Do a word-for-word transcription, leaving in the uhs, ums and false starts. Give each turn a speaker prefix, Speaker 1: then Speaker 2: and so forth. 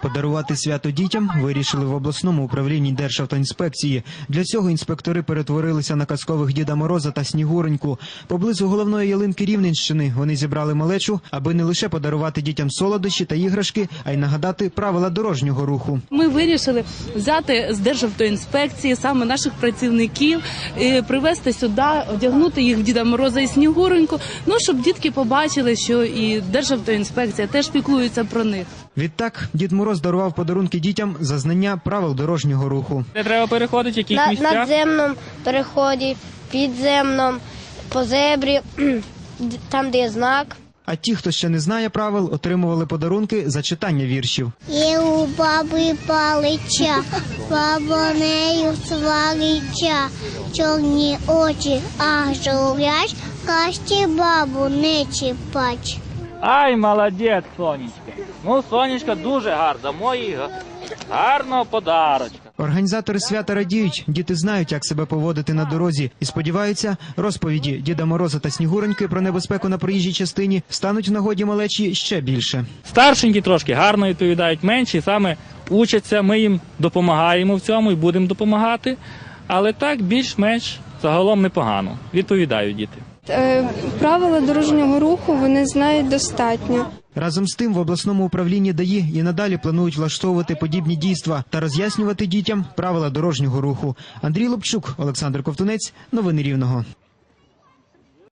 Speaker 1: Подарувати свято дітям вирішили в обласному управлінні Державтоінспекції. Для цього інспектори перетворилися на казкових Діда Мороза та Снігуреньку. Поблизу головної ялинки Рівненщини вони зібрали малечу, аби не лише подарувати дітям солодощі та іграшки, а й нагадати правила дорожнього руху.
Speaker 2: Ми вирішили взяти з Державтоінспекції саме наших працівників, привезти сюди, одягнути їх в Діда Мороза і Снігуреньку, ну, щоб дітки побачили, що і Державтоінспекція теж піклується про них.
Speaker 1: Відтак, Дід Мороз дарував подарунки дітям за знання правил дорожнього руху.
Speaker 3: Де треба переходити, в яких
Speaker 4: На
Speaker 3: місцях?
Speaker 4: надземному переході, підземному, по зебрі, там, де є знак.
Speaker 1: А ті, хто ще не знає правил, отримували подарунки за читання віршів.
Speaker 5: Є у баби палича, баба нею сварича, чорні очі аж журять, кашті бабу не чіпать.
Speaker 3: Ай, молодець, Сонечка. Ну, Сонечка дуже гарна, мої гарного подарочка.
Speaker 1: Організатори свята радіють, діти знають, як себе поводити на дорозі і сподіваються, розповіді Діда Мороза та Снігуреньки про небезпеку на проїжджій частині стануть в нагоді малечі ще більше.
Speaker 3: Старшенькі трошки гарно відповідають, менші саме учаться, ми їм допомагаємо в цьому і будемо допомагати, але так більш-менш загалом непогано, відповідають діти.
Speaker 6: Правила дорожнього руху вони знають достатньо.
Speaker 1: Разом з тим в обласному управлінні ДАІ і надалі планують влаштовувати подібні дійства та роз'яснювати дітям правила дорожнього руху. Андрій Лобчук, Олександр Ковтунець. Новини Рівного.